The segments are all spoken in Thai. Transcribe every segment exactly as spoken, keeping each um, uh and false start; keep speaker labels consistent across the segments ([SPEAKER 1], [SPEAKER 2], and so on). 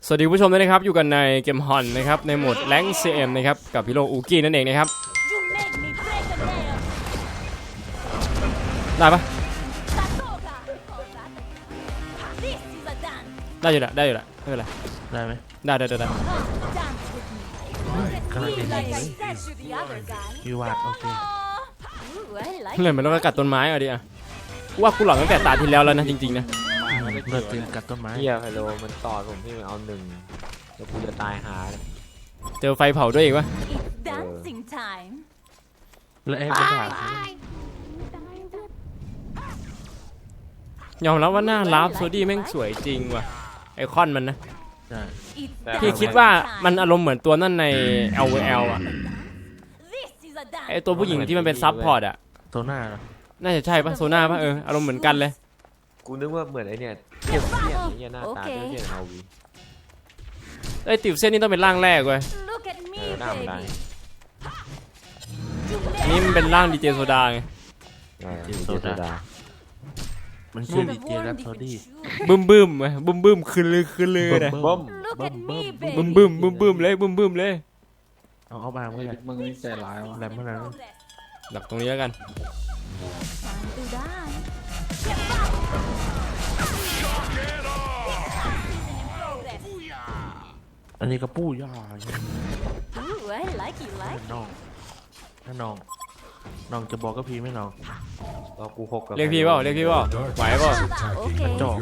[SPEAKER 1] สวัสดีผู้ชมด้วยนะครับอยู่กันในเกมฮอนนะครับในโหมดแรงค์ ซี เอ็ม นะครับกับพี่โลอูกี้นั่นเองนะครับได้ปะได้อยู่ละได้อยู่ละไม่เป็นไร
[SPEAKER 2] ได้ไหม
[SPEAKER 1] ได้ได้ได้ได้
[SPEAKER 2] กำลังดีเลยยูวาดโอเค
[SPEAKER 1] เลยมันต้องกัดต้นไม้อ่ะดิอ่ะว่ากูหลอนตั้งแต่ตาที่แล้วแล้วนะจริงๆนะ
[SPEAKER 2] เลิกตีนกัดต้นไม้
[SPEAKER 3] เฮียไฮโลมันต่อผมพี่มันเอาหนึ่งแล้วกูจะตายหา
[SPEAKER 1] เจอไฟเผาด้วยอีกวะ
[SPEAKER 2] แล้วไอ้ปัญหาย
[SPEAKER 1] อมรับว่าหน้าลาฟโซดี้แม่งสวยจริงว่ะไอคอนมันนะพี่คิดว่ามันอารมณ์เหมือนตัวนั่นใน แอล โอ แอล อ่ะไอตัวผู้หญิงที่มันเป็นซับพอร์ตอ่ะ
[SPEAKER 2] โซน่าเหรอ
[SPEAKER 1] น่าจะใช่ปะโซน่าปะเอออารมณ์เหมือนกันเลย
[SPEAKER 3] กูนึกว่าเหมือนไอเนี่ยเทียบเทียบนี่หน้าตาเทียบเทียบเอาวี
[SPEAKER 1] ไอติวเส้นนี่ต้องเป็นร่างแรกเว้ย
[SPEAKER 3] เออหน้ามันได้
[SPEAKER 1] นี่มันเป็นร่างดีเจโซดาไง
[SPEAKER 3] ดีเจโซดา
[SPEAKER 2] มันชื่อดีเจแรปโซดี้
[SPEAKER 1] บึ้มบึ้มไหมบึ้มบึ้มคืนเลยคืนเลยนะ
[SPEAKER 3] บึ้ม
[SPEAKER 1] บึ้มบึ้มบึ้มบึ้มเลยบึ้มบึ้มเลย
[SPEAKER 2] เอาเอาบางไม่ได้
[SPEAKER 4] มึงนี่ใจร้ายวะ
[SPEAKER 2] แรปเมื่อนั้น
[SPEAKER 1] ดักตรงนี้แล้วกัน
[SPEAKER 2] อันนี้กระปู้ย่าน้องถ้าน้องน้องจะบอกก็พีไม่น้อง
[SPEAKER 3] เรากูหก
[SPEAKER 1] เรียกพี่เปล่าเรียกพี่เปล่าไหวเปล่า
[SPEAKER 2] จ่อ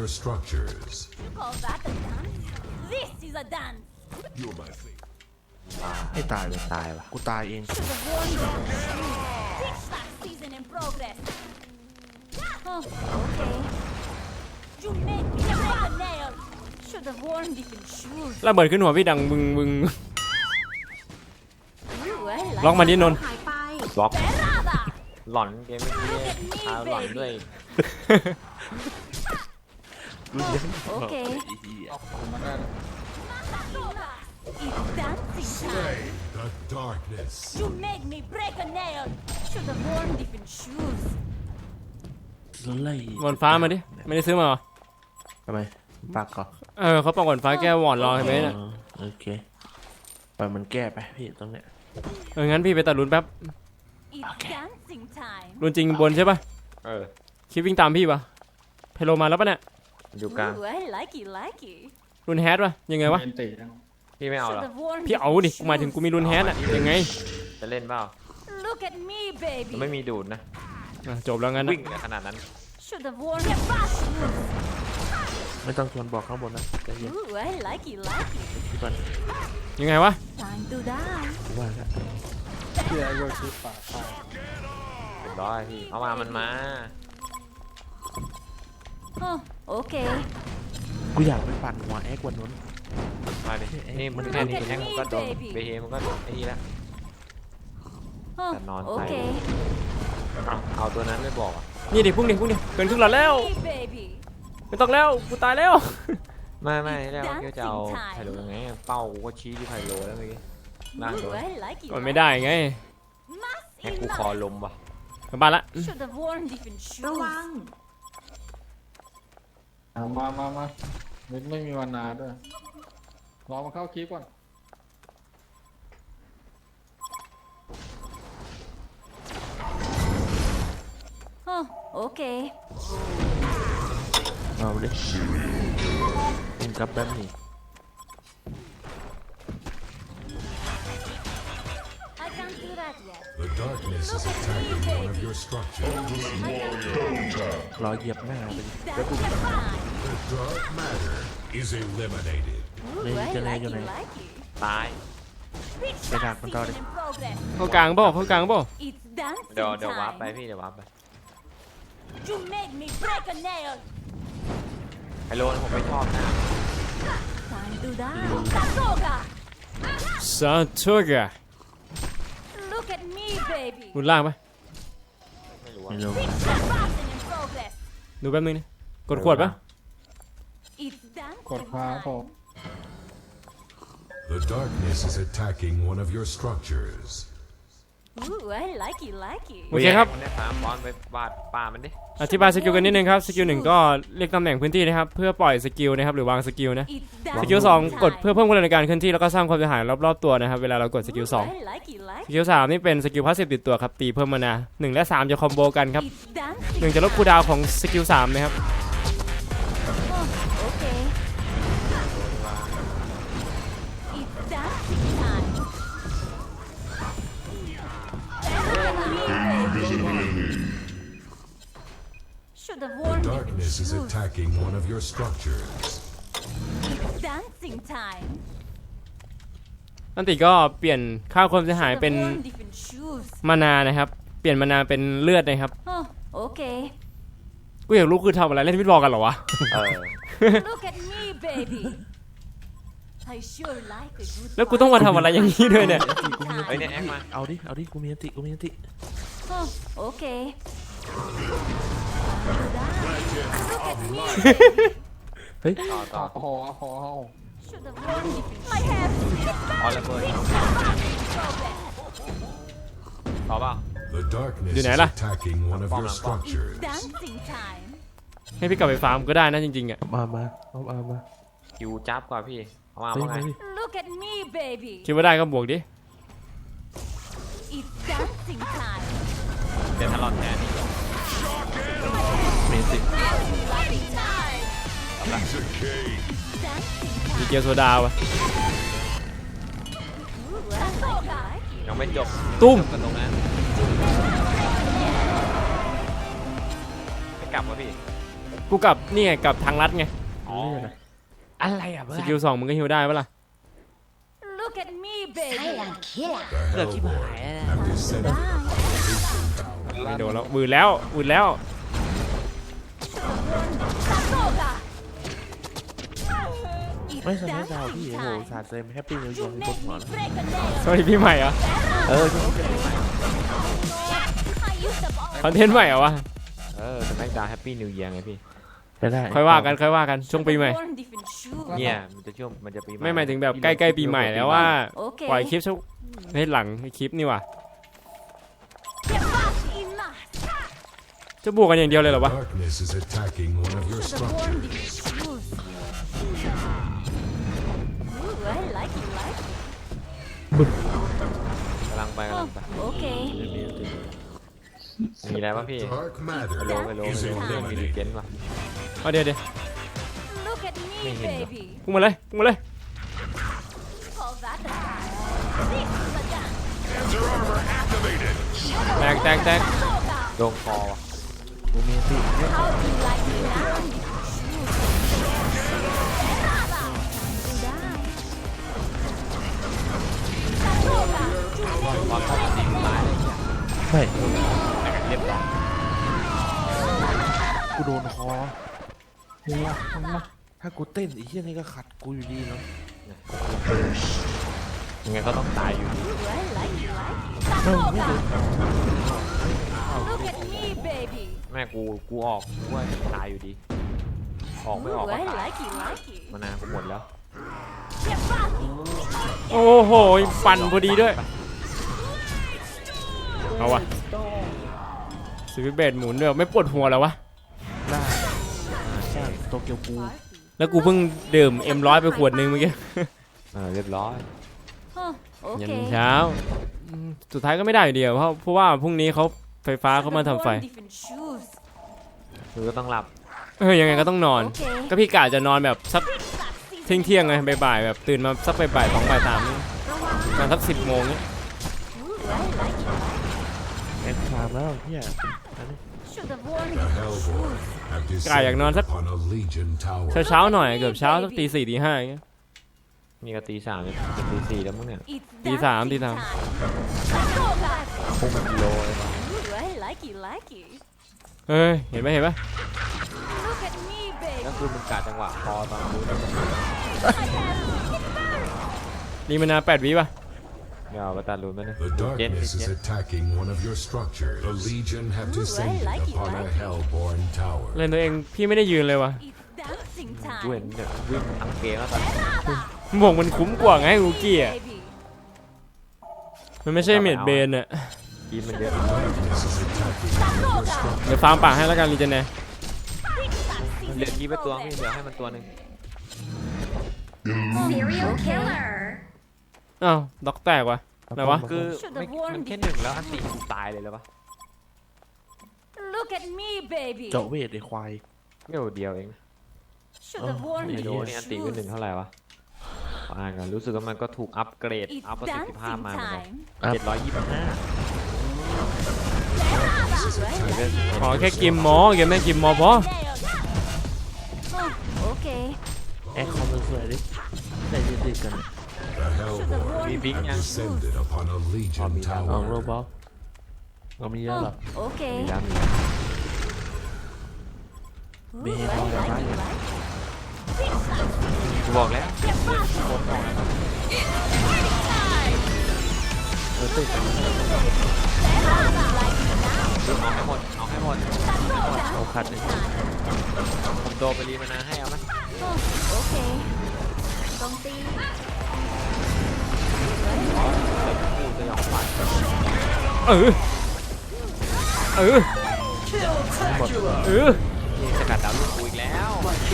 [SPEAKER 2] ให้ตายเลย
[SPEAKER 3] ตายวะ
[SPEAKER 2] กูตายเอง
[SPEAKER 1] ระเบิดขึ้นหัวพี่ดังบึงบึงล็อกมาดินนท์
[SPEAKER 3] ล็อกหลอนเกมเมื่อกี้พาหลอนด้วย
[SPEAKER 2] โอเค
[SPEAKER 4] มันได้
[SPEAKER 5] The darkness.
[SPEAKER 6] You made me break a nail. Should have worn different shoes.
[SPEAKER 1] บอลฟ้ามาดิไม่ได้ซื้อมาหรอ
[SPEAKER 2] ทำไมปากก่อน
[SPEAKER 1] เออเขาปากบอลฟ้าแก้วอนรอเห็นไหมน่ะ
[SPEAKER 2] โอเคปล่อยมันแก้ไปพี่ตรงเนี้ย
[SPEAKER 1] เอองั้นพี่ไปตัดลุ้นแป๊บลุ้นจริงบนใช่ป่ะ
[SPEAKER 3] เออ
[SPEAKER 1] คิดวิ่งตามพี่ป่ะเพโลมาแล้วป่ะเนี่ย
[SPEAKER 3] อยู่กลาง
[SPEAKER 1] ลุ้นแฮดป่ะยังไงวะ
[SPEAKER 3] พี่ไม่เอาหรอ
[SPEAKER 1] พี่เอาดิหมายถึงกูมีลุ้นแฮดอะยังไง
[SPEAKER 3] จะเล่นเปล่าไม่มีดูดนะ
[SPEAKER 1] จบแล้วงั้น
[SPEAKER 3] วิ่งขนาดนั้น
[SPEAKER 2] ไม่ต้องชวนบอกข้างบนนะใจเย็นพี่ปัน
[SPEAKER 1] ยังไงวะ
[SPEAKER 2] ว่าแล้ว
[SPEAKER 4] เฮียโยชิป่าตาย
[SPEAKER 3] เรียบร้อยพี่เอามามันมา
[SPEAKER 6] โอเค
[SPEAKER 2] กูอยากไปปั่นหัวแอ๊กวันนู้น
[SPEAKER 3] มาดินี่มันแค่นี้แอ๊กมันก็โดนเบเฮมันก็ไอ้นี่แล้วแต่นอนใส่เอาตัวนั้นไม่บอกอ่ะ
[SPEAKER 1] นี่ดิพุ่งดิพุ่งดิเกินครึ่งหลอดแล้วไม่ต้องแล้วกูตายแล้ว
[SPEAKER 3] ไม่ไม่แล้วก็จะเอาไฮโลยังไงเป้ากูก็ชี้ที่ไฮโลแล้วเมื่อกี้ล่างโดน
[SPEAKER 1] ก่อนไม่ได้ไง
[SPEAKER 3] ให้กูคอลมว่ะ
[SPEAKER 1] กลับบ้านละ
[SPEAKER 6] ระวัง
[SPEAKER 4] เอามามามาไม่ไม่มีวันนาด้วยรอมาเข้าคลิปก่อน
[SPEAKER 6] โอเค
[SPEAKER 2] เอาเลยมึงกลับแบบนี้
[SPEAKER 5] The darkness is attacking one of your structures.
[SPEAKER 2] รอเหยียบหน้าไป
[SPEAKER 5] The dark matter is eliminated.
[SPEAKER 2] เลยจะเลยอยู่ไหน
[SPEAKER 3] ตาย
[SPEAKER 2] ไปดักมันต่อดิ
[SPEAKER 1] เข้ากลางบ่เข้ากลางบ่
[SPEAKER 3] เดี๋ยวเดี๋ยววาร์ปไปพี่เดี๋ยววาร์ปไปไฮโลผมไม่ชอบนะ
[SPEAKER 1] ซาโตกะรุนล่างปะ
[SPEAKER 3] ไม่รู้
[SPEAKER 1] ดูแป๊บนึงนี่กดขวดปะ
[SPEAKER 4] กดค้างพอ
[SPEAKER 5] The darkness is attacking one of your structures.
[SPEAKER 6] Ooh, I like it, like it.
[SPEAKER 1] โอเคครับ
[SPEAKER 3] มันได้สามบอลไปบาดป่ามันดิ
[SPEAKER 1] อธิบายสกิลกันนิดนึงครับสกิลหนึ่งก็เรียกตำแหน่งพื้นที่นะครับเพื่อปล่อยสกิลนะครับหรือวางสกิลนะ
[SPEAKER 6] It's
[SPEAKER 1] สกิลสอง
[SPEAKER 6] dancing
[SPEAKER 1] กด
[SPEAKER 6] time.
[SPEAKER 1] เพื่อเพิ่มกำลังในการเคลื่อนที่แล้วก็สร้างความเสียหายรอบๆตัวนะครับเวลาเรากดสกิลสอง
[SPEAKER 6] Ooh, I like it, like
[SPEAKER 1] สกิลสามนี่เป็นสกิลพาสซีฟติดตัวครับตีเพิ่มมานาหนึ่งและสามจะคอมโบกันครับ
[SPEAKER 6] It's dancing
[SPEAKER 1] หนึ่งจะลดคูลดาวน์ของสกิลสามนะครับ
[SPEAKER 6] Oh, okay. It's dancing time. Should have worn different
[SPEAKER 5] Darkness is
[SPEAKER 6] shoes.
[SPEAKER 5] attacking one of your structures.
[SPEAKER 6] It's dancing time.
[SPEAKER 1] อันติก็เปลี่ยนค่าความเสียหาย
[SPEAKER 6] Should have
[SPEAKER 1] เป็น
[SPEAKER 6] worn different shoes.
[SPEAKER 1] มานานะครับเปลี่ยนมานาเป็นเลือดนะครับ
[SPEAKER 6] Oh, okay.
[SPEAKER 1] กูอยากรู้คือทำอะไรเล่นวิดบอลกันเหรอวะ
[SPEAKER 3] เออ
[SPEAKER 6] Look at me, baby. I sure like a good
[SPEAKER 1] แล้วกูต้องมาทำอะไรอย่างนี้ด้วยเนี่ย
[SPEAKER 6] party
[SPEAKER 3] เฮ้ยเนี่ยแอค
[SPEAKER 6] time.
[SPEAKER 3] มา
[SPEAKER 2] เอาดิเอาดิกูมีอันติกูมีอันติ
[SPEAKER 6] Oh, okay. Look at me, baby.
[SPEAKER 3] ต่อต่อ
[SPEAKER 4] โอ้โหโอ้โห
[SPEAKER 6] Should have worn different. My hair.
[SPEAKER 3] ออลระเบิดต่อเปล่า
[SPEAKER 5] The darkness
[SPEAKER 1] Đi
[SPEAKER 5] is
[SPEAKER 1] nè là.
[SPEAKER 5] attacking one of
[SPEAKER 3] Bom
[SPEAKER 5] your
[SPEAKER 3] làm bom.
[SPEAKER 5] structures.
[SPEAKER 6] Dancing time.
[SPEAKER 1] ให้พี่กลับไปฟาร์มก็ได้นะจริงๆอ่ะ
[SPEAKER 2] มามาเอาเอามา
[SPEAKER 3] คิวจับกว่าพี่เอามา
[SPEAKER 2] เฮ้ย
[SPEAKER 3] ว่าไง
[SPEAKER 2] มาดิ
[SPEAKER 6] Look at me, baby.
[SPEAKER 1] คิดว่าได้ก็บวกดิ
[SPEAKER 6] It's dancing time.
[SPEAKER 3] เดี๋ยวถ้าหลอดแทนนี่
[SPEAKER 2] มีอันติ
[SPEAKER 6] Dancing time.
[SPEAKER 5] Piece of cake.
[SPEAKER 6] Dancing
[SPEAKER 1] มี
[SPEAKER 6] time.
[SPEAKER 1] เกียวโซดาวะ
[SPEAKER 6] Ooh, I like it.
[SPEAKER 3] ยังไม่จบ
[SPEAKER 1] ตุ้ม
[SPEAKER 3] จบกันตรงนั้นไม่กลับวะพี่
[SPEAKER 1] กูกลับนี่ไงกลับทางลัดไง
[SPEAKER 3] อ๋อ
[SPEAKER 2] เลือดอะ
[SPEAKER 3] อะไรอ่ะเพื่
[SPEAKER 1] ส
[SPEAKER 3] อน
[SPEAKER 1] กิลสองมึงก็ฮิวได้ปะล่ะ
[SPEAKER 6] Look at me, baby.
[SPEAKER 5] The Hellborn have descended upon the
[SPEAKER 1] ไม่โดนแล้ววืดแล้ววืดแล้ว
[SPEAKER 6] Sakoga.
[SPEAKER 2] ไม่
[SPEAKER 6] It's
[SPEAKER 2] สมัยดาว
[SPEAKER 6] dancing
[SPEAKER 2] พี่โอ้โห
[SPEAKER 6] time.
[SPEAKER 2] สาดเซมแฮปปี้นิวเยีย
[SPEAKER 6] You
[SPEAKER 2] ร์ให้บ
[SPEAKER 6] make
[SPEAKER 2] นหัว
[SPEAKER 6] me
[SPEAKER 2] นะ
[SPEAKER 6] break a nail.
[SPEAKER 1] สวัสดีพี่ใหม่เหรอ
[SPEAKER 2] เออ
[SPEAKER 6] I used up all
[SPEAKER 1] คอนเทนต์ใหม่เหรอวะ
[SPEAKER 3] เออสมัยดาวแฮปปี้นิวเยียร์ไงพี่
[SPEAKER 2] ไปได้
[SPEAKER 1] ค่อยว่ากันค่อยว่ากันช่วงปีใหม่
[SPEAKER 6] worn different shoes.
[SPEAKER 3] เนี่ยมันจะช่วงมันจะปีใหม่
[SPEAKER 1] ไม่หมายถึงแบบใกล้ๆปีใหม่แล้วว่า
[SPEAKER 6] Okay.
[SPEAKER 1] ปล่อยคลิปช่วงให้หลังคลิปนี่ว่ะ
[SPEAKER 6] Get back in mass.
[SPEAKER 1] จะบวกกันอย่างเดียวเลยเหรอวะ
[SPEAKER 5] darkness is attacking one of your
[SPEAKER 6] Should have worn
[SPEAKER 5] structures.
[SPEAKER 6] different shoes. Ooh, I like it, like it.
[SPEAKER 3] กำลังไปกำลังไป
[SPEAKER 6] Okay.
[SPEAKER 3] มีอะไรวะพี่
[SPEAKER 5] Dark
[SPEAKER 3] ไป
[SPEAKER 5] matter
[SPEAKER 3] โลไปโลไป
[SPEAKER 5] is
[SPEAKER 3] โลเรื่องมีดีเจ
[SPEAKER 5] eliminated.
[SPEAKER 3] นว่ะ
[SPEAKER 1] เอาเดี๋ยวเดี๋ยว
[SPEAKER 6] Look at me,
[SPEAKER 3] Mày nhìn
[SPEAKER 6] baby.
[SPEAKER 1] พุ่งมาเลยพุ่งมาเลย
[SPEAKER 6] Call that a time. This is a dance.
[SPEAKER 5] Panzer armor activated.
[SPEAKER 1] แตกแตกแตก
[SPEAKER 6] Sakoga.
[SPEAKER 3] โดนคอว่ะ
[SPEAKER 2] กูมีอันติ
[SPEAKER 6] How do you like it now? Sakoga.
[SPEAKER 3] ตอนเข้ามาตีตายเลยเนี่ย
[SPEAKER 2] ไม่
[SPEAKER 3] แต่กันเรียบร้อย
[SPEAKER 2] กูโดนคอ
[SPEAKER 4] ถึงละถึงละ
[SPEAKER 2] ถ้ากูเต้นไอ้เหี้ยนี่ก็ขัดกูอยู่ดีเนาะ
[SPEAKER 3] ยังไงก็ต้องตายอยู่ดี
[SPEAKER 6] Ooh, I like it, like it.
[SPEAKER 2] ไม่ไม่โดน
[SPEAKER 6] Look at me, baby.
[SPEAKER 3] แม่กูกูออกกูว่าตายอยู่ดี ออกไม่ออก
[SPEAKER 6] Ooh,
[SPEAKER 3] ก็
[SPEAKER 6] I
[SPEAKER 3] ตาย
[SPEAKER 6] like it, like it.
[SPEAKER 3] มานานกูหมดแล้ว
[SPEAKER 6] Get back.
[SPEAKER 1] โอ้โหฟันพอดีด้วยเอาวะสวิตช์เบดหมุนด้วยไม่ปวดหัวแล้ววะ
[SPEAKER 2] ได้ใช่โตเกียวกู
[SPEAKER 1] แล้วกูเพิ่งดื่มเอ็มร้อยไปขวดนึงเมื่อกี้
[SPEAKER 3] เออเรียบร้อย
[SPEAKER 6] Huh,
[SPEAKER 1] ยัน
[SPEAKER 6] okay.
[SPEAKER 1] เช้าอืมสุดท้ายก็ไม่ได้อยู่ดีอะเพราะเพราะว่าพรุ่งนี้เขาไฟฟ้าเขามาทำไฟ
[SPEAKER 6] Worn different shoes.
[SPEAKER 3] คือก็ต้องหลับ
[SPEAKER 1] เออยังไงก็ต้องนอน
[SPEAKER 6] โอเค
[SPEAKER 1] ก็พี่กะจะนอนแบบสักเที่ยงเที่ยงๆไงบ่ายๆแบบตื่นมาสักบ่ายๆสองบ่ายสามนี่นอนสักสิบโมงเนี่ย
[SPEAKER 6] Ooh, I like it, like it.
[SPEAKER 2] แอนชามแล้วเหี้ยอันนี้
[SPEAKER 6] Should have worn
[SPEAKER 5] The
[SPEAKER 6] different
[SPEAKER 5] Hellborn
[SPEAKER 6] shoes.
[SPEAKER 5] have
[SPEAKER 1] กะอยากนอน
[SPEAKER 5] descended
[SPEAKER 1] สัก
[SPEAKER 5] upon a legion tower.
[SPEAKER 1] เช้าๆหน่อยเกือบเช้าสักตีสี่ตีห้าอย่างเงี้ย
[SPEAKER 3] นี่ก็ตีสามจะตีสี่แล้วมั้งเนี่ย
[SPEAKER 6] It's
[SPEAKER 1] ตีสามตี
[SPEAKER 6] dancing
[SPEAKER 1] สาม
[SPEAKER 6] time. Sakoga.
[SPEAKER 3] พุ่งเป็นกิโลเลยว่ะ
[SPEAKER 6] Ooh, I like it, like it.
[SPEAKER 1] เฮ้ยเห็นไหมเห็นไหม
[SPEAKER 6] Look at me, baby.
[SPEAKER 3] ก็คือมึงกะจังหวะคอตอนรู้แล้ว
[SPEAKER 1] รีมานาแปดวิป่ะ
[SPEAKER 3] เดี๋ยวไปตัดรูนไปเลย
[SPEAKER 5] The
[SPEAKER 3] เจน
[SPEAKER 5] darkness
[SPEAKER 3] เจ
[SPEAKER 5] is
[SPEAKER 3] น
[SPEAKER 5] attacking one of your structures. The legion have
[SPEAKER 6] Ooh, I
[SPEAKER 5] descended
[SPEAKER 6] like it,
[SPEAKER 5] upon a
[SPEAKER 6] like it.
[SPEAKER 5] Hellborn tower.
[SPEAKER 1] เล่นตัวเองพี่ไม่ได้ยืนเลยวะ
[SPEAKER 6] It's dancing
[SPEAKER 3] กูเห็น
[SPEAKER 6] time.
[SPEAKER 3] เนี่ยวิ่งทั้งเกมแล้วตอน
[SPEAKER 1] บวกมันคุ้มกว่าไงกูกี้อ่ะ
[SPEAKER 6] Baby.
[SPEAKER 1] มันไม่ใช่เมดเบนอ่ะ
[SPEAKER 3] กีมันเยอะ
[SPEAKER 1] เดี๋ยวฟาร์มป่าให้แล้วกันรีเจนเน่
[SPEAKER 3] เหลือกีไปตัวพี่เหลือให้มันตัวหนึ่ง
[SPEAKER 6] Serial killer.
[SPEAKER 1] อ้าวด็อกแตกวะไหนวะ
[SPEAKER 3] คือไม่มันแค่หนึ่งแล้วอันตีกูตายเลยแล้วปะ
[SPEAKER 6] Look at me, baby.
[SPEAKER 2] เจาะเวทไอ้ควาย
[SPEAKER 3] ไม่โดเดียวเอง
[SPEAKER 6] Should have worn
[SPEAKER 3] ไม่
[SPEAKER 6] these
[SPEAKER 3] โดนี่อันตีก็หนึ่ง
[SPEAKER 6] shoes.
[SPEAKER 3] เท่าไหร่วะอ่านกันรู้สึกว่ามันก็ถูกอัปเกรด
[SPEAKER 6] It's
[SPEAKER 3] อัพประสิทธิภาพ
[SPEAKER 6] dancing
[SPEAKER 3] มาเหมือนกัน
[SPEAKER 6] time.
[SPEAKER 3] เจ็ดร้อยยี่สิบห้า
[SPEAKER 1] ขอแค่กิมมอเกมแม่งกิมมอพอ
[SPEAKER 6] Oh, okay.
[SPEAKER 2] แอคคอมสวยๆดิได้ยืดติดกัน
[SPEAKER 5] The Hellborn
[SPEAKER 3] Vì biết nha.
[SPEAKER 5] descended upon a Legion
[SPEAKER 3] bị đau.
[SPEAKER 2] เอาโร
[SPEAKER 5] tower.
[SPEAKER 2] บอลเรามีเยอะหรอ
[SPEAKER 6] Oh, okay.
[SPEAKER 3] มีแล้วมี
[SPEAKER 6] Ooh,
[SPEAKER 2] Bê
[SPEAKER 6] I
[SPEAKER 2] bò là
[SPEAKER 6] like
[SPEAKER 2] bái
[SPEAKER 6] it,
[SPEAKER 2] vậy.
[SPEAKER 6] like
[SPEAKER 3] กูบอกแล้ว
[SPEAKER 2] เออติด
[SPEAKER 3] เอาให้หมดเอาให้หมด
[SPEAKER 2] เอาขัดเลย
[SPEAKER 3] ผมโดนไปรีมานาให้เอาไหม
[SPEAKER 6] it. Oh, okay. Công ty.
[SPEAKER 3] พูดจะยอมฝัน
[SPEAKER 1] เออเออเออ
[SPEAKER 3] นี่สกัดดาวลูกกูอีกแล้ว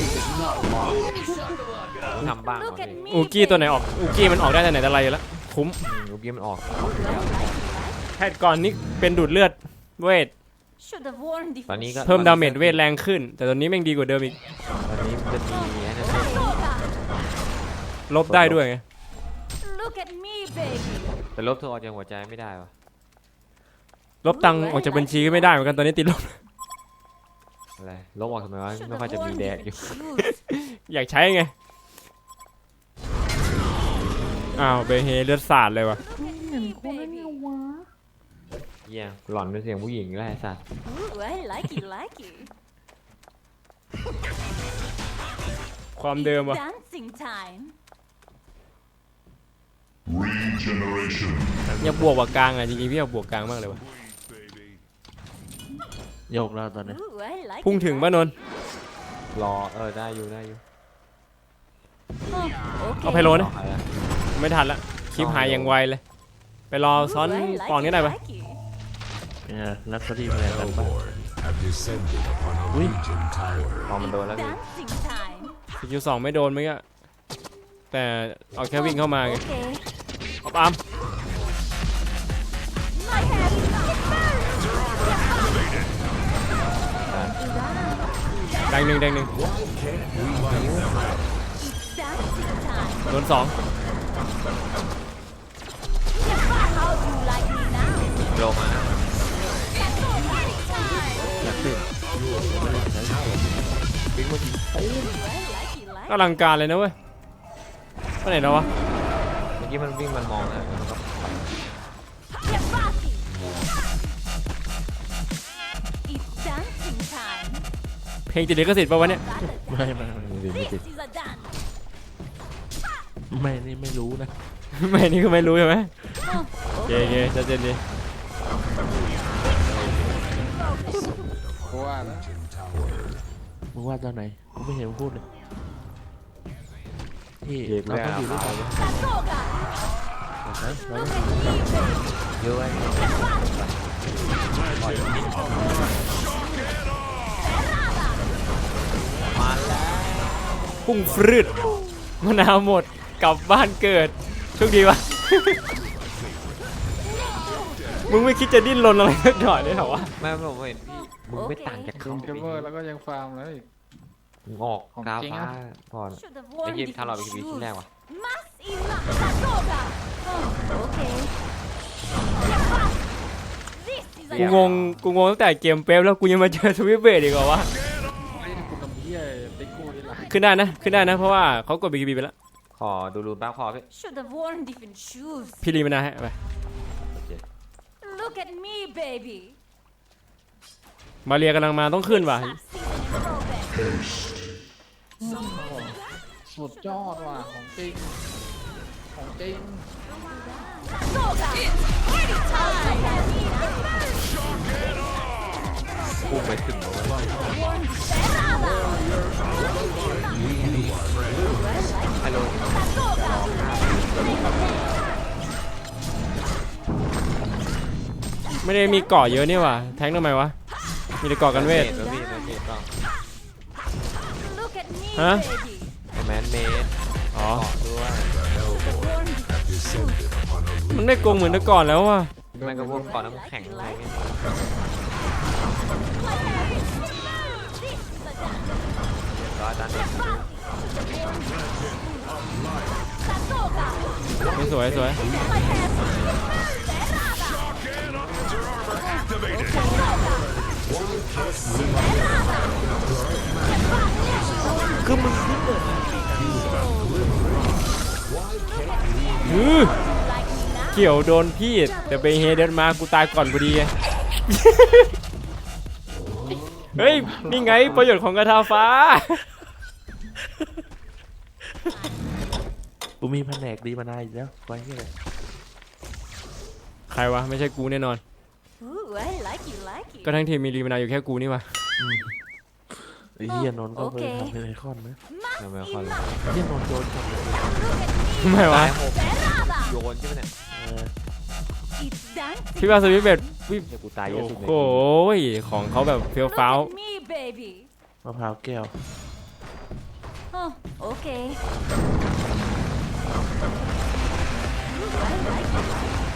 [SPEAKER 3] ทำบ้าง
[SPEAKER 6] Look at me,
[SPEAKER 1] อูกี้ตัวไหน
[SPEAKER 6] baby.
[SPEAKER 1] ออกอูกี้มันออกได้แต่ไหนแต่ไรอยู่แล้วคุ้ม
[SPEAKER 3] ลูกกี้มันออก
[SPEAKER 1] แพทก่อนนี่เป็นดูดเลือดเวท
[SPEAKER 6] Should have worn these
[SPEAKER 3] ตอนนี้ก็
[SPEAKER 1] เพิ่มดาเมจเวทแรงขึ้น แต่ตอนนี้แม่งดีกว่าเดิมอีก
[SPEAKER 3] ตอนนี้มันจะมีไอ้นั่น
[SPEAKER 6] shoes.
[SPEAKER 1] ลบได้ด้วยไง
[SPEAKER 6] Look at me, baby.
[SPEAKER 3] แต่ลบเธอออกจากหัวใจไม่ได้วะ
[SPEAKER 1] ลบตังค์ออกจากบัญชีก็ไม่ได้เหมือนกันตอนนี้ติดลบ
[SPEAKER 3] อะไรลบออกทำไมวะ
[SPEAKER 6] Should
[SPEAKER 3] ไม่
[SPEAKER 6] have
[SPEAKER 3] ค่อยจะมี
[SPEAKER 6] worn
[SPEAKER 3] แด
[SPEAKER 6] these
[SPEAKER 3] กอยู่
[SPEAKER 6] shoes.
[SPEAKER 1] อยากใช้ไง อ้าวเบเฮเลือดสาดเลยวะ
[SPEAKER 6] Look at me, baby.
[SPEAKER 3] เยี่ยหล่อนเป็นเสียงผู้หญิงแล้วไอ้สัส
[SPEAKER 6] Ooh, I like it, like it.
[SPEAKER 1] ความเดิมวะ
[SPEAKER 6] Dancing time.
[SPEAKER 1] อยากบวกกว่ากลางอ่ะจริงๆพี่อยากบวกกลางมากเลยวะ
[SPEAKER 2] โยกแล้วตอนนี้
[SPEAKER 6] Ooh, I like
[SPEAKER 1] พุ่ง
[SPEAKER 6] it,
[SPEAKER 1] ถึง
[SPEAKER 6] like
[SPEAKER 1] ป่ะนนท์
[SPEAKER 3] รอเออได้อยู่ได้อยู่
[SPEAKER 6] it. Oh,
[SPEAKER 1] เอา
[SPEAKER 6] okay.
[SPEAKER 1] ไพโลนะ
[SPEAKER 3] เอาละ
[SPEAKER 1] ไม่ทันละคลิปหายอย่างไวเลย ไปรอ
[SPEAKER 6] Ooh,
[SPEAKER 1] ซ้อน
[SPEAKER 6] I like
[SPEAKER 1] ปอน
[SPEAKER 6] it,
[SPEAKER 1] นี้ได้ปะ
[SPEAKER 6] like it.
[SPEAKER 2] เนี่ยลักษณะอะไรกันบ้าง
[SPEAKER 5] Hellborn have descended upon a
[SPEAKER 2] Ui.
[SPEAKER 5] Legion tower.
[SPEAKER 3] พอมันโดนแล้วพี่
[SPEAKER 6] Dancing time.
[SPEAKER 1] สกิลสองไม่โดนเมื่อกี้แต่เอาแค่วิ่งเข้ามาไง
[SPEAKER 6] Okay.
[SPEAKER 1] เอาปาม
[SPEAKER 6] My head is not burned.
[SPEAKER 1] แดงหนึ่งแดงหนึ่ง
[SPEAKER 6] Dancing time.
[SPEAKER 1] โดนสอง
[SPEAKER 6] How do you like me now?
[SPEAKER 3] โลมานะ
[SPEAKER 6] Party time.
[SPEAKER 2] อยากติด
[SPEAKER 3] วิ่งมาที
[SPEAKER 6] Ooh, I like it, like
[SPEAKER 1] ก็อลังการเลยนะเว้ยไปไหนแล้ววะ
[SPEAKER 3] เมื่อกี้มันวิ่งมันมองนะมันก็
[SPEAKER 6] it. Get party. It's dancing time.
[SPEAKER 1] เพลงติดลิขสิทธิ์ป่าวะเนี่ย
[SPEAKER 6] Got it.
[SPEAKER 2] ไม่ไม่ไม่
[SPEAKER 3] มันวิ่งไม่ติด
[SPEAKER 6] This is a dance.
[SPEAKER 2] ไม่นี่ไม่รู้นะ
[SPEAKER 1] ไม่นี่คือไม่รู้ใช่ไหม
[SPEAKER 6] Oh,
[SPEAKER 1] โอเค
[SPEAKER 6] okay.
[SPEAKER 1] โอเคชัดเจนดี
[SPEAKER 4] กูว่าแล้ว
[SPEAKER 5] Legion tower.
[SPEAKER 2] มึงว่าตอนไหนกูไม่เห็นมึงพูดเลยที่
[SPEAKER 3] เด็ก
[SPEAKER 2] เรา
[SPEAKER 3] แรก
[SPEAKER 2] ต้องอยู่ด้วยกัน
[SPEAKER 6] Sasoga.
[SPEAKER 2] ใช่เรา
[SPEAKER 6] Look
[SPEAKER 2] ต้อง
[SPEAKER 6] at me, baby.
[SPEAKER 3] เยอะไว้ มาแล้ว
[SPEAKER 1] พุ่งฟรืดมะนาวหมดกลับบ้านเกิดโชคดีวะ มึงไม่คิดจะดิ้นรนอะไรสักหน่อยเลยเหรอวะ
[SPEAKER 3] แม่ผมเห็นพี่มึงไม่ต่างจาก
[SPEAKER 4] คุ
[SPEAKER 3] เขา
[SPEAKER 4] ณเกมเมอร์แล้วก็ยังฟาร์มแล้วอีก
[SPEAKER 3] มึงออก
[SPEAKER 4] ของ
[SPEAKER 3] กรา
[SPEAKER 4] จริง
[SPEAKER 3] ฟ้า
[SPEAKER 4] อะ
[SPEAKER 3] ก่อน
[SPEAKER 6] Should have
[SPEAKER 3] ไอ้
[SPEAKER 6] worn
[SPEAKER 3] เยี่ยม
[SPEAKER 6] these
[SPEAKER 3] ถ้าเราไปทีวีชิ้น
[SPEAKER 6] shoes.
[SPEAKER 3] แรกว่ะ
[SPEAKER 6] Mass enough. Sasoga. Oh, okay. This is
[SPEAKER 1] กู
[SPEAKER 6] a
[SPEAKER 1] งงกูงงตั้งแต่เกมเป๊ปแล้วกูยังมาเจอสวิปเบดอีกเหรอวะ
[SPEAKER 4] ไอ้กูทำเหี้ยติ๊กกูนี่แหละ
[SPEAKER 1] ขึ้นได้นะขึ้นได้นะเพราะว่าเขากดบีกีบีไปแล้ว
[SPEAKER 3] ขอดูรูปบ้างขอพี่
[SPEAKER 6] should have worn different shoes.
[SPEAKER 1] พี่รีมานาให้ไป
[SPEAKER 3] โอเค
[SPEAKER 6] Look at me, baby.
[SPEAKER 1] มาเรียกำลังมาต้องขึ้นว่ะ
[SPEAKER 6] Stop season in progress.
[SPEAKER 4] สุดยอดว่ะของจริงของจริง
[SPEAKER 6] Sasoga. Party time.
[SPEAKER 3] พุ่งไปถึงแล้วเว้ย
[SPEAKER 6] Worn Serrada.
[SPEAKER 3] ฮัลโหล
[SPEAKER 6] Sasoga. It's
[SPEAKER 1] ไม่ได้มีเกาะเยอะนี่หว่าแทงทำไมวะมีแต่เกาะกันเวท
[SPEAKER 3] เมดพี่เมดต้อง
[SPEAKER 6] Look at me,
[SPEAKER 1] Huh?
[SPEAKER 6] baby.
[SPEAKER 3] ไอ้แมนเมด
[SPEAKER 1] อ๋อ
[SPEAKER 3] เกาะด้วย
[SPEAKER 5] have descended upon a
[SPEAKER 1] มัน
[SPEAKER 5] legion
[SPEAKER 1] ได้โกงเหมือนแต่ก่อนแล้วว่ะ
[SPEAKER 3] ไม่ก็พวกเกาะน้ำแข็งอะไรเงี้ย ร้อยตันเอง
[SPEAKER 1] ไม่สวยสวย
[SPEAKER 2] คือมึงขึ้นเลย
[SPEAKER 1] อือเกี่ยวโดนพี่แต่ไปเฮเดินมากูตายก่อนพอดีไง เฮ้ยนี่ไงประโยชน์ของกระทาฟ้า
[SPEAKER 2] กูมีแผนกดีมานานอีกแล้วไว้ที่ไหน
[SPEAKER 1] ใครวะไม่ใช่กูแน่นอน
[SPEAKER 6] Ooh, I like it, like it.
[SPEAKER 1] ก็ทั้งทีมมีรีมานาอยู่แค่กูนี่วะ
[SPEAKER 2] ไอ้เฮียนนท์ก็ไป
[SPEAKER 6] โอเค
[SPEAKER 2] ทำเป็นไอคอนนะ
[SPEAKER 3] ทำไมคอน
[SPEAKER 2] เฮียนนท์โดนจับเลย
[SPEAKER 1] ไม่วะ
[SPEAKER 3] ตายหกโยนใช่ไหมเนี่ย
[SPEAKER 2] เออ
[SPEAKER 6] It's dancing.
[SPEAKER 1] พี่ว่าสวิตเบตวิ
[SPEAKER 3] เดี๋ยวกูตายเยอะ
[SPEAKER 1] โอ้
[SPEAKER 3] สุดเลย
[SPEAKER 1] โหของเขาแบบเฟี้ยว
[SPEAKER 6] Look
[SPEAKER 1] ฟ้าว
[SPEAKER 6] at me, baby.
[SPEAKER 2] มะพร้าวแก้ว
[SPEAKER 6] Oh, okay. Ooh, I like it.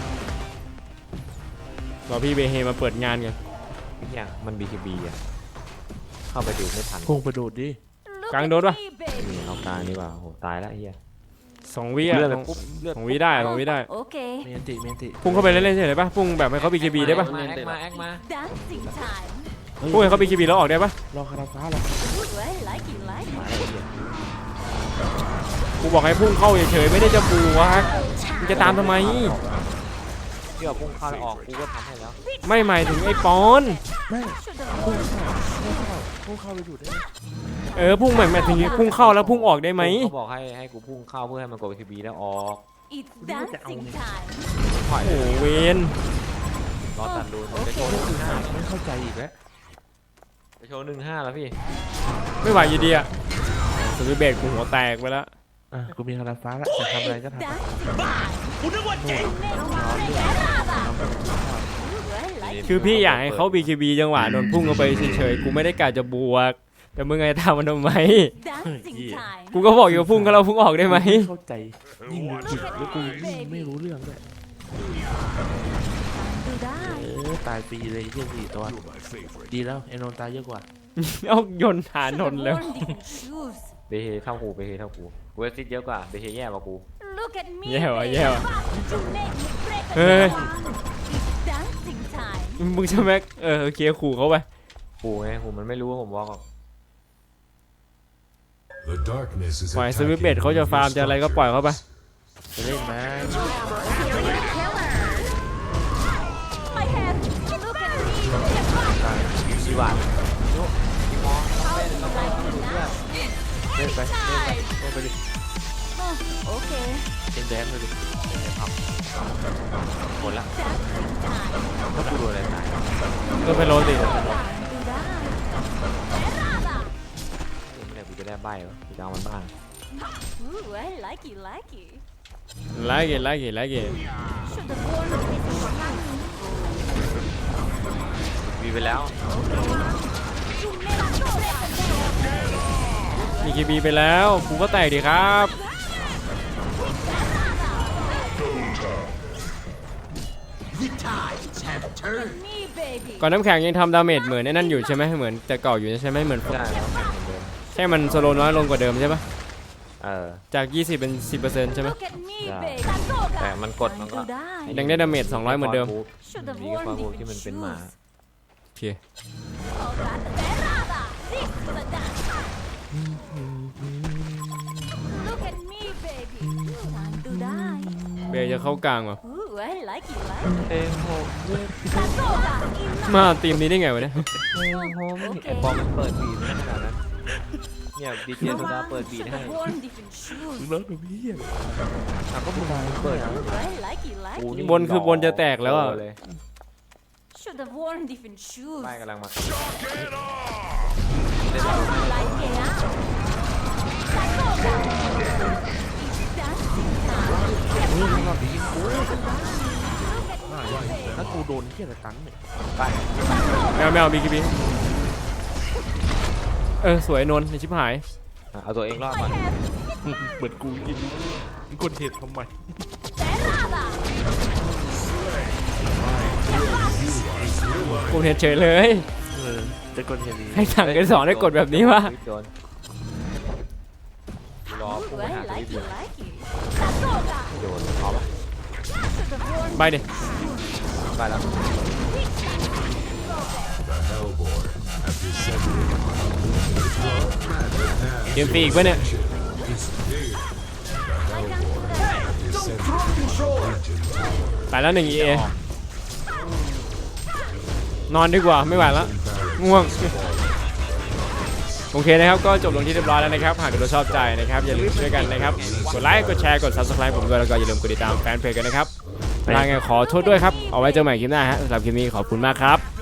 [SPEAKER 1] รอพี่เบเฮมาเปิดงานกัน
[SPEAKER 3] อย่างมัน บี เค บี อ่ะ เข้าไปดูไม่ทัน
[SPEAKER 2] พุ่งไปโดดดิ
[SPEAKER 6] Look
[SPEAKER 1] Càng
[SPEAKER 6] at
[SPEAKER 1] đốt à?
[SPEAKER 6] me, baby.
[SPEAKER 3] นี่เอากลางดีกว่าโหตายแล้วไอ้เฮีย
[SPEAKER 1] สองวิอะ
[SPEAKER 3] เลือด
[SPEAKER 1] ส
[SPEAKER 3] เล
[SPEAKER 1] อย ง
[SPEAKER 3] ปุ๊บเลือด
[SPEAKER 1] สองวิได้สองวิได้
[SPEAKER 6] Okay.
[SPEAKER 2] เมนติเมนติ
[SPEAKER 1] พุ่งเข้าไปเล่นๆเฉยๆป่ะพุ่งแบบให้เขาบีเคบีได้ป่ะ
[SPEAKER 3] มาแอคมาแอคมา
[SPEAKER 6] Dancing time.
[SPEAKER 1] พุ่งให้เขาบีเคบีแล้วออกได้ป่ะ
[SPEAKER 2] รอคาราฟ้าหรอ
[SPEAKER 6] Ooh, I like it, like
[SPEAKER 3] มา
[SPEAKER 6] it.
[SPEAKER 3] แล้วไอ้เฮีย
[SPEAKER 1] กูบอกให้พุ่งเข้าเฉยๆไม่ได้จะบูวะมึงจะตามทำไม
[SPEAKER 3] ที่ว่าพุ่งเข้าแล้วออกกูก็ทำให้แล้ว
[SPEAKER 1] ไม่หมายถึงไอ้ปอน
[SPEAKER 2] ไม่
[SPEAKER 6] Should have
[SPEAKER 2] พุ่ง
[SPEAKER 6] worn
[SPEAKER 2] เข้าพุ่งเข้าพุ่งเข้าไปดูดได้ไหม
[SPEAKER 1] เออพุ่งหมายหมายถึงพุ่งเข้าแล้วพุ่งออกได้ไหม
[SPEAKER 3] เขาบอกให้ให้กูพุ่งเข้าเพื่อให้มันกด บี เค บี แล้วออก
[SPEAKER 6] It's dancing time.
[SPEAKER 3] ถอย
[SPEAKER 1] โอ้โหเวน
[SPEAKER 3] รอตัดรูนจะโชว์หนึ่งห้า
[SPEAKER 2] ไม่เข้าใจอีกแล้ว
[SPEAKER 3] จะโชว์หนึ่งห้าแล้วพี่
[SPEAKER 1] ไม่ไหวอยู่ดีอะสวิตเบตกูหัวแตกไปแล้ว
[SPEAKER 2] อ่ะกูมีคาราฟ้าแล้วจะทำอะไรก็ทำ
[SPEAKER 6] Dancing time. Ooh, I like it.
[SPEAKER 1] คือพี่อยากให้เขาบีเคบีจังหวะโดนพุ่งเข้าไปเฉยๆกูไม่ได้กะจะบวก แต่มึงไงทำมันทำไม
[SPEAKER 6] Dancing time.
[SPEAKER 1] กูก็บอกอยู่ว่าพุ่งเขาเราพุ่งออกได้ไหม
[SPEAKER 2] เข้าใจยิ่งดูจิตแล้วกูยิ่งไม่รู้เรื่องด้วย
[SPEAKER 6] Do that.
[SPEAKER 2] เออตายฟรีเลยเฮียสี่ตัว
[SPEAKER 5] my favorite.
[SPEAKER 2] ดีแล้วไอ้นนท์ตายเยอะกว่า
[SPEAKER 1] เอาโยนฐาน
[SPEAKER 6] Should
[SPEAKER 1] น
[SPEAKER 6] have
[SPEAKER 1] นท์แล้ว
[SPEAKER 6] worn different shoes.
[SPEAKER 3] เบเฮเท่ากูเบเฮเท่ากูกูเอซิดเยอะกว่าเบเฮแย่กว่ากู
[SPEAKER 6] Look at me,
[SPEAKER 1] Yeah,
[SPEAKER 6] baby.
[SPEAKER 1] yeah.
[SPEAKER 6] You make me break a
[SPEAKER 1] Hey.
[SPEAKER 6] sweat. It's dancing time.
[SPEAKER 1] มึงจะแม็กเออโอเคขู่เขาไป
[SPEAKER 3] กูไงกูมันไม่รู้ว่าผมบอกหรอก
[SPEAKER 5] The darkness is
[SPEAKER 1] ปล่อยส
[SPEAKER 5] attacking
[SPEAKER 1] วิตเบตเขาจะฟาร์มจะอะไรก็ปล่อยเขาไป
[SPEAKER 2] จะเล่นไหม
[SPEAKER 6] My head. Look at me.
[SPEAKER 3] ดีกว่า
[SPEAKER 2] เล่นไปเล่นไปเล่นไปดิ
[SPEAKER 6] Oh, okay.
[SPEAKER 2] เล่นแดนไปดิ
[SPEAKER 3] หมดละ
[SPEAKER 6] Dancing time.
[SPEAKER 3] ถ้ากูโดนอะไรตาย
[SPEAKER 1] ก็ไปโรติ
[SPEAKER 6] Do that.
[SPEAKER 3] ไม่ได้กูจะได้ใบวะกูจะเอามันบ้าง
[SPEAKER 6] Ooh, I like it, like it.
[SPEAKER 1] ไลค์เกตไลค์เกตไลค์เกต
[SPEAKER 6] Should have worn different shoes.
[SPEAKER 3] มีไปแล้ว
[SPEAKER 6] You make me break a sweat.
[SPEAKER 1] มีเคบีไปแล้วกูก็แตกดีครับ
[SPEAKER 6] Me, baby.
[SPEAKER 1] ก่อนน้ำแข็งยังทำดาเมจเหมือนไอ้นั่นอยู่ใช่ไหมเหมือนแต่เก่าอยู่ใช่ไหมเหมือน
[SPEAKER 3] ได้แล้วแข่งเหมือนเดิม
[SPEAKER 1] แค่มันสโลน้อยลงกว่าเดิมใช่ปะ
[SPEAKER 3] เออ
[SPEAKER 1] จาก ยี่สิบ เป็น สิบเปอร์เซ็นต์ ใช่ไหม
[SPEAKER 6] Look at me,
[SPEAKER 3] Yeah.
[SPEAKER 6] baby.
[SPEAKER 3] แต่มันกดมันก็
[SPEAKER 6] Do that.
[SPEAKER 1] ยังได้ดาเมจสองร้อยเหมือนเดิม
[SPEAKER 6] Should have
[SPEAKER 3] มีก็
[SPEAKER 6] worn
[SPEAKER 3] ฟาบู
[SPEAKER 6] different
[SPEAKER 3] ที่มันเป็นหมา
[SPEAKER 6] shoes.
[SPEAKER 1] โอเค
[SPEAKER 6] Oh, that terrada. This is a dance. Look at me, baby. Time to die.
[SPEAKER 1] เบย์จะเข้ากลางว่ะ
[SPEAKER 6] Ooh, I like it, like it.
[SPEAKER 3] เต็มโฮม
[SPEAKER 6] Sasoga, enough.
[SPEAKER 1] มาทีมนี้ได้ไงวะเนี่ย
[SPEAKER 3] ไอ้ปอมมันเปิดบีดให้ขนาดนั้นเนี่ยดีเจโซดาเปิดบีด
[SPEAKER 6] Should
[SPEAKER 3] ให้
[SPEAKER 6] have worn different shoes.
[SPEAKER 2] มึงเลิกกับพี่อ่ะ
[SPEAKER 3] อ่ะก็มึงเปิด
[SPEAKER 6] Ooh, I like it, like
[SPEAKER 3] กู
[SPEAKER 6] it.
[SPEAKER 3] นี่
[SPEAKER 1] บนคือบนจะแตกแล้วอะ
[SPEAKER 3] เลย
[SPEAKER 6] Should have worn different shoes.
[SPEAKER 3] ป้ายกำลังมา
[SPEAKER 6] Like it, huh? Sasoga. It's dancing time. Look at me.
[SPEAKER 2] ถ้ากูโดนเที่ยอะไรตันเนี่ย
[SPEAKER 3] ได้
[SPEAKER 1] แมวแมวบีคีบีเออสวยนนท์ในชิบหาย
[SPEAKER 3] อ่ะเอาตัวเองรอดก่อน
[SPEAKER 2] เหมือนกูกินมึงคนเห็ดทำไม
[SPEAKER 1] กูเห็นเฉยเลย
[SPEAKER 2] เออจะคนเห็ดนี้
[SPEAKER 1] ให้สั่งกันสอนให้กดแบบนี้วะ
[SPEAKER 3] โดนรอพุ่ง
[SPEAKER 6] Ooh,
[SPEAKER 3] ไปหา
[SPEAKER 6] I
[SPEAKER 3] ตัว
[SPEAKER 6] like
[SPEAKER 3] เดี
[SPEAKER 6] it,
[SPEAKER 3] ยว
[SPEAKER 6] like it.
[SPEAKER 3] โดนเอาปะ
[SPEAKER 1] ไปดิ
[SPEAKER 3] ได้แล้ว
[SPEAKER 5] The Hellborn have descended upon
[SPEAKER 1] เกมฟรีอีกปะเนี่ย
[SPEAKER 5] is here. The Hellborn have descended upon Legion Tower.
[SPEAKER 1] ไปแล้วหนึ่ง อี เอ นอนดีกว่าไม่ไหวแล้วง่วงโอเคนะครับก็จบลงที่เรียบร้อยแล้วนะครับหากคุณชอบใจนะครับอย่าลืมช่วยกันนะครับกดไลค์กดแชร์กด ซับสไครบ์ ผมด้วยแล้วก็อย่าลืมกดติดตามแฟนเพจกันนะครับลาไงขอโทษด้วยครับเอาไว้เจอใหม่คลิปหน้าฮะสำหรับคลิปนี้ขอบคุณมากครับ